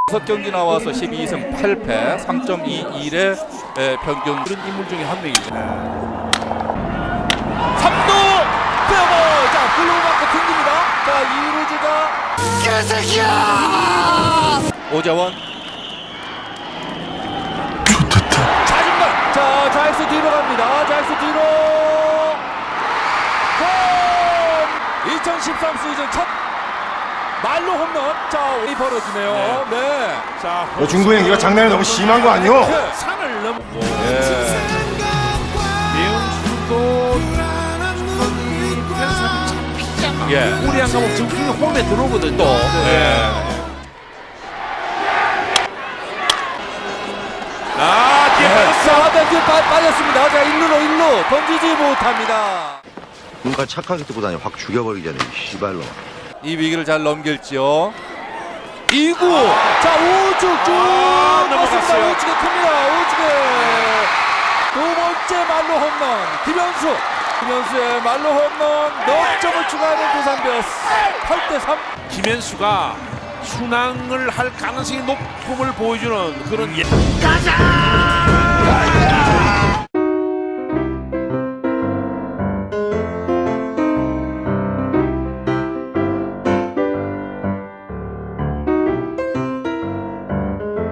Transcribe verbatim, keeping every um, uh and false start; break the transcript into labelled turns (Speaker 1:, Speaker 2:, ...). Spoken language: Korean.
Speaker 1: 다섯 경기 나와서 십이 승 팔 패 삼 점 이일의 평균.
Speaker 2: 그런 인물 중에 한 명이죠.
Speaker 1: 삼 루 페어볼. 자, 블루 맞고 튕깁니다. 자, 이루주가 개새끼야! 오재원
Speaker 3: 좋겠다.
Speaker 1: 자중간. 자, 좌익수 뒤로 갑니다. 좌익수 뒤로 홈! 이천십삼 시즌 첫 말로 홈런. 자, 이 벌어지네요. 네. 네.
Speaker 2: 자,
Speaker 3: 너 중구 행기가 장난이 너무 심한 거 아니오?
Speaker 2: 산을 넘고
Speaker 1: 예.
Speaker 2: 배영수도
Speaker 1: 예.
Speaker 2: 우리 안 가면 지금 홈에 들어오거든요.
Speaker 1: 또. 예.
Speaker 2: 아, 뒤에 빠졌어.
Speaker 1: 자, 벤트 빠졌습니다. 자, 일루로 일루 던지지 못합니다.
Speaker 4: 눈깔 착하게 뜨고 다니 확 죽여버리잖아요. 씨발로.
Speaker 1: 이 위기를 잘 넘길지요. 이 구. 자, 우측 쭉
Speaker 2: 아,
Speaker 1: 맞습니다.
Speaker 2: 넘어갔어요.
Speaker 1: 우측에 큽니다. 우측에 두 번째 말로 홈런 김현수. 김현수의 말로 홈런 넉 점을 추가하는 두산 베어스 팔 대 삼.
Speaker 2: 김현수가 순항을 할 가능성이 높음을 보여주는 그런 예.
Speaker 5: 가자!